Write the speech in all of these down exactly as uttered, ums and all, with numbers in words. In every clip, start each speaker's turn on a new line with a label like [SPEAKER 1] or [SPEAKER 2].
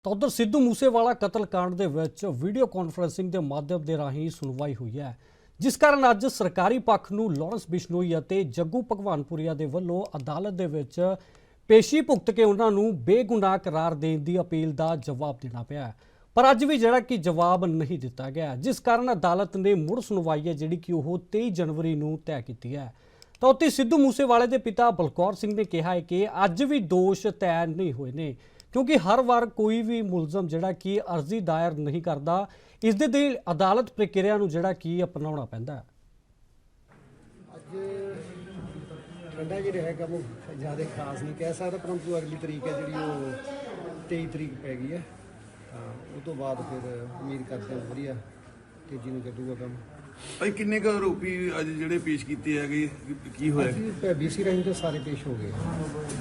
[SPEAKER 1] ਤਾਂ ਉਧਰ ਸਿੱਧੂ ਮੂਸੇਵਾਲਾ ਕਤਲकांड ਦੇ ਵਿੱਚ ਵੀਡੀਓ ਕਾਨਫਰੰਸਿੰਗ ਦੇ ਮਾਧਿਅਮ ਦੇ ਰਾਹੀਂ ਸੁਣਵਾਈ ਹੋਈ ਹੈ, ਜਿਸ ਕਾਰਨ ਅੱਜ ਸਰਕਾਰੀ ਪੱਖ ਨੂੰ ਲਾਰੈਂਸ ਬਿਸ਼ਨੋਈ ਅਤੇ ਜੱਗੂ ਭਗਵਾਨਪੁਰੀਆ ਦੇ ਵੱਲੋਂ ਅਦਾਲਤ ਦੇ ਵਿੱਚ ਪੇਸ਼ੀ ਭੁਗਤ ਕੇ ਉਹਨਾਂ ਨੂੰ ਬੇਗੁਨਾਹ ਕਰਾਰ ਦੇਣ ਦੀ ਅਪੀਲ ਦਾ ਜਵਾਬ ਦੇਣਾ ਪਿਆ। ਪਰ ਅੱਜ ਵੀ ਜਿਹੜਾ ਕਿ ਜਵਾਬ ਨਹੀਂ ਦਿੱਤਾ ਗਿਆ, ਜਿਸ ਕਾਰਨ ਅਦਾਲਤ ਨੇ ਮੁੜ ਸੁਣਵਾਈ ਹੈ ਜਿਹੜੀ ਕਿ ਉਹ ਤੇਈ ਜਨਵਰੀ ਨੂੰ ਤੈਅ ਕੀਤੀ ਹੈ। ਤਾਂ ਉੱਥੇ ਸਿੱਧੂ ਮੂਸੇਵਾਲੇ ਦੇ ਪਿਤਾ ਬਲਕੌਰ ਸਿੰਘ ਨੇ ਕਿਹਾ ਹੈ ਕਿ ਅੱਜ ਵੀ ਦੋਸ਼ ਤੈਅ ਨਹੀਂ ਹੋਏ ਨੇ, क्योंकि हर बार कोई भी मुलजम जिहड़ा कि अर्जी दायर नहीं करता, इस दे लई अदालत प्रक्रिया नूं जिहड़ा कि अपनाउणा पैंदा है।
[SPEAKER 2] अज ठंडा जिहड़ा है काम ज़्यादा खास नहीं कह सकता, परंतु अगली तरीक है जी तेई तरीक पै गई है। उस तो बाद फिर उम्मीद करते हैं वधिया तेजी नूं कड्डूगा काम।
[SPEAKER 3] भाई किन्ने क आरोपी अज जिहड़े पेश कीते हैगे की होया?
[SPEAKER 2] बीसी राही तो सारे पेश हो गए।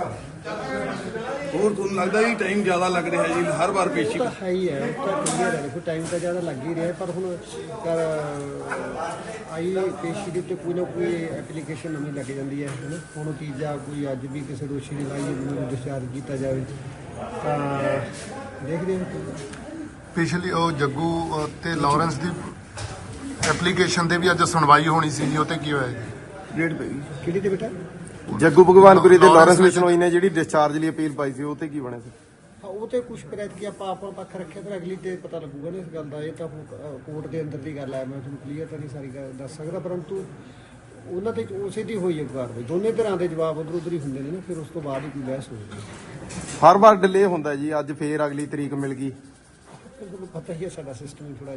[SPEAKER 3] और तुहानूं लगदा जी टाइम ज़्यादा लग रहा है जी हर बार पेशी?
[SPEAKER 2] तो है ही है, तो क्लीयर है, देखो टाइम तो ज़्यादा लग ही रहा है, पर हुण कर आई पेशी के उत्ते कोई ना कोई एप्लीकेशन नवीं लग जाती है है ना। हुण तीजा कोई अज भी किसी दोषी ने लाई है डिस्चार्ज किया जाए तो देखते हैं।
[SPEAKER 4] पिछली वो जग्गू ते लॉरेंस की एप्लीकेशन ते भी अज सुनवाई होनी सी जी, उते की होया जी?
[SPEAKER 3] डेट पै गई
[SPEAKER 2] किहड़ी ते बेटा?
[SPEAKER 5] जग्गू भगवानपुरी ते लॉरेंस बिश्नोई ने जिहड़ी डिस्चार्ज ਲਈ अपील पाई सी उते की बने सी?
[SPEAKER 2] हाँ वो तो कुछ करायत कि आप अपना पक्ष रखे तो अगली तो पता लगूगा ना इस गल का। ये तो कोर्ट के अंदर की गल है, मैं तुहानूं क्लीयर तो नहीं सारी गल दस सकदा, परंतु उन्हां ते उसे दी होई है कार्रवाई। दोनों तरह के जवाब उधर उधर ही होंदे ने ना, फिर उस तो बाद ही कोई बहस होगी।
[SPEAKER 5] हर बार डिले हुंदा जी, अज फिर अगली तरीक मिल गई।
[SPEAKER 2] फिर तुहानूं पता ही है साडा सिस्टम थोड़ा